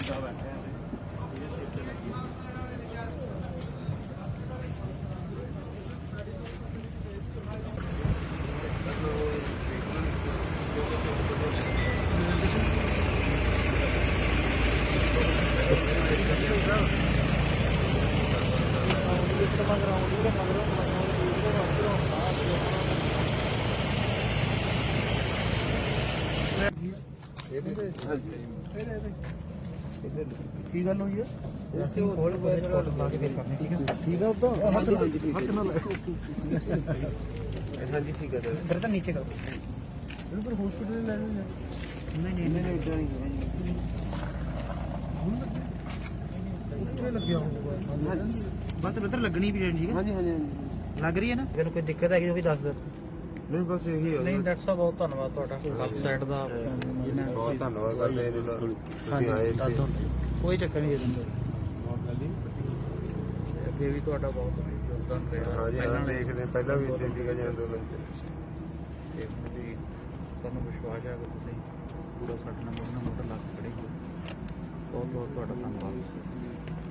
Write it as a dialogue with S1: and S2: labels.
S1: ਕੀ ਗੱਲ ਹੋਈ ਹੈ? ਅਸੀਂ ਕੋਲ ਲਾ ਕੇ ਫੇਰ ਕਰਨੀ, ਠੀਕ ਹੈ? ਠੀਕ ਹੈ ਉਦੋਂ ਹੱਥ ਨਾਲ ਹਾਂਜੀ ਠੀਕ ਹੈ ਸਰ। ਇਧਰ ਤਾਂ ਨੀਚੇ ਕਰੋ। ਬਿਲਕੁਲ ਹਸਪੀਟਲ ਲੈ ਲਓ ਯਾਰ। ਨਹੀਂ ਇਦਾਂ ਨਹੀਂ ਉੱਥੇ ਲੱਗਿਆ ਹੋਊਗਾ ਬਸ ਉਧਰ ਲੱਗਣੀ ਵੀ ਠੀਕ ਹੈ। ਹਾਂਜੀ ਲੱਗ ਰਹੀ ਹੈ ਨਾ? ਅਗਰ ਕੋਈ ਦਿੱਕਤ ਹੈਗੀ ਉਹ ਵੀ ਦੱਸ ਦਿਓ। ਨਹੀਂ ਬਸ ਇਹੀ ਹੈ। ਨਹੀਂ ਡਾਕਟਰ ਸਾਹਿਬ ਬਹੁਤ ਧੰਨਵਾਦ ਤੁਹਾਡਾ ਵੈਬਸਾਈਟ ਦਾ ਬਹੁਤ ਧੰਨਵਾਦ ਕਰਦੇ ਤੁਸੀਂ ਆਏ ਕੋਈ ਚੱਕਰ ਨਹੀਂ ਦੇ ਦਿੰਦੇ ਅੱਗੇ ਵੀ ਤੁਹਾਡਾ ਬਹੁਤ ਯੋਗਦਾਨ ਰਿਹਾ। ਹਾਂਜੀ ਦੇਖਦੇ ਪਹਿਲਾਂ ਵੀ ਇੱਥੇ ਸੀਗਾ ਜੀ ਅੰਦੋਲਨ 'ਚ ਤੇ ਸਾਨੂੰ ਵਿਸ਼ਵਾਸ ਹੈ ਕਿ ਤੁਸੀਂ ਪੂਰਾ ਸਾਡੇ ਨਾਲ ਮੋਢੇ ਨਾਲ ਮੋਢਾ ਲਾ ਕੇ ਖੜੇ ਹੋ। ਬਹੁਤ ਬਹੁਤ ਤੁਹਾਡਾ ਧੰਨਵਾਦ।